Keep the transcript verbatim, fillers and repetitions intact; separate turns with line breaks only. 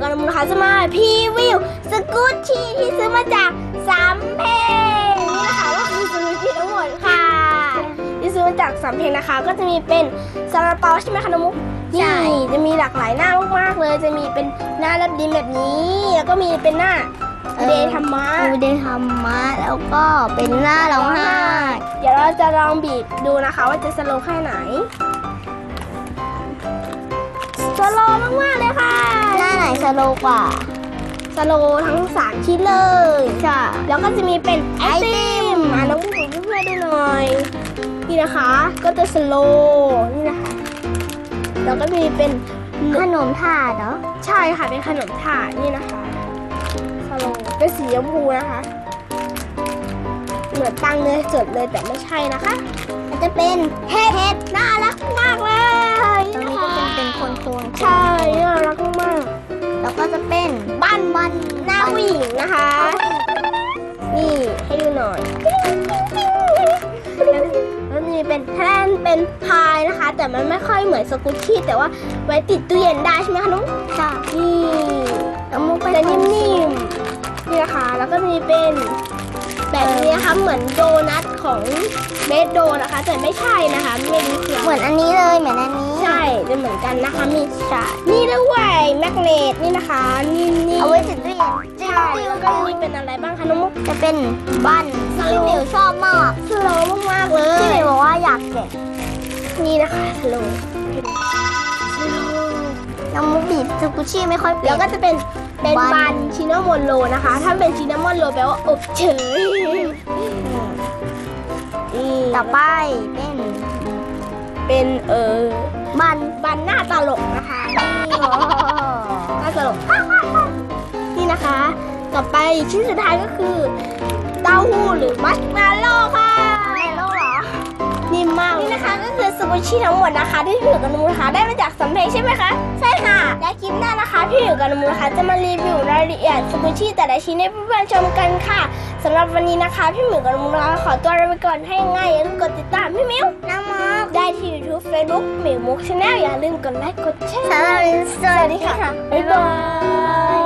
กับน้ำมูนะคะจะมาพรีวิวสกูตชี่ที่ซื้อมาจากสามเพลงนี่นะคะก็คือสกูตชี่ทั้งหมดค่ะที่ซื้อมาจากสามเพลงนะคะก็จะมีเป็นซาลาเปาใช่ไหมคะน้ำมูนี่จะมีหลากหลายหน้ามากๆเลยจะมีเป็นหน้ารับดินแบบนี้แล้วก็มีเป็นหน้าเดย์ธรรมะ
เดย์ธรรมะแล้วก็เป็นหน้าร้องไห้
เดี๋ยวเราจะลองบีบดูนะคะว่าจะสโลว์แค่ไหนสโลว์มากๆเลยค่ะ
หน้าไหนสโลว์กว่า
สโลว์ทั้งสามชิ้นเลย
ใช่
แล้วก็จะมีเป็นไอติมอ่ะน้องผู้ชมเพื่อนๆดูหน่อยนี่นะคะก็จะสโลว์นี่นะคะแล้วก็มีเป็น
ขนมถาดเหรอ
ใช่ค่ะเป็นขนมถาดนี่นะคะสโลว์เป็นสีชมพูนะคะเหมือนตังเนยสดเลยแต่ไม่ใช่นะคะ
มันจะเป็น
เห็ดน่ารักมากเลย
ตรงนี้ก็เป็นเป็นคนตัว
ใช่น่ารักมาก
แล้วก็จะเป็น
บ้านบ้านหน้าผู้หญิงนะคะนี่ให้ดูหน่อยแล้วมีเป็นแท่นเป็นพายนะคะแต่มันไม่ค่อยเหมือนสกูตชี่แต่ว่าไว้ติดตู้เย็นได้ใช่ไหมคะนุ๊ก
ค่ะ
นี่แล้วมุกเป็นนิ่มๆนี่นะคะแล้วก็มีเป็นแบบนี้นะคะเหมือนโดนัทของเบสโดนะคะแต่ไม่ใช่นะคะไม่รู้คือ
เหมือนอันนี้เลยเหมือนอันนี้
ใช่จะเหมือนกันนะคะมีฉากนี่ด้วยแมกเนตนี่นะคะนี่นี่
เอาไว้ติดตู้เย็น
ใช่แล้วก็มีเป็นอะไรบ้างคะน้องมุก
จะเป็นบันที่หมิวชอบมาก
สโลว์มากๆเลย
ที่หมิวบอกว่าอยากแกะ
นี่นะคะสโลว์
น้ำมุกบีบสกูชี่ไม่ค่อย
แล้วก็จะเป็นเป็นบันชินามอนโรนะคะถ้าเป็นชินามอนโรแปลว่าอบเฉย
ต่อไปเป็น
เป็นเออ
บัน
บันหน้าตลกนะคะหน้าตลกนี่นะคะต่อไปชิ้นสุดท้ายก็คือเต้าหู้หรือมัชเมลโล่ค่ะ
เมลโล่เหรอ
นิ่มมากนี่นะคะก็คือสกูชี่ทั้งหมดนะคะที่พี่หมิวกับน้ำมูนะคะได้มาจากสำเพ็งใช่ไหมคะใช่ค่ะและคลิปหน้านะคะพี่หมิวกับน้ำมูนะคะจะมารีวิวรายละเอียดสกูชี่แต่ละชิ้นให้เพื่อนๆชมกันค่ะสำหรับวันนี้นะคะพี่หมิวกับน้ำมูนะคะขอตัวลาไปก่อนให้ง่ายอย่าลืมกดติดตามพี่หมิว
น้ำมุก
ได้ที่ YouTube Facebook หมิวมุกชาแนลอย่าลืมกดไลค์กดแชร์
สวัสดีค่ะ
บ๊ายบาย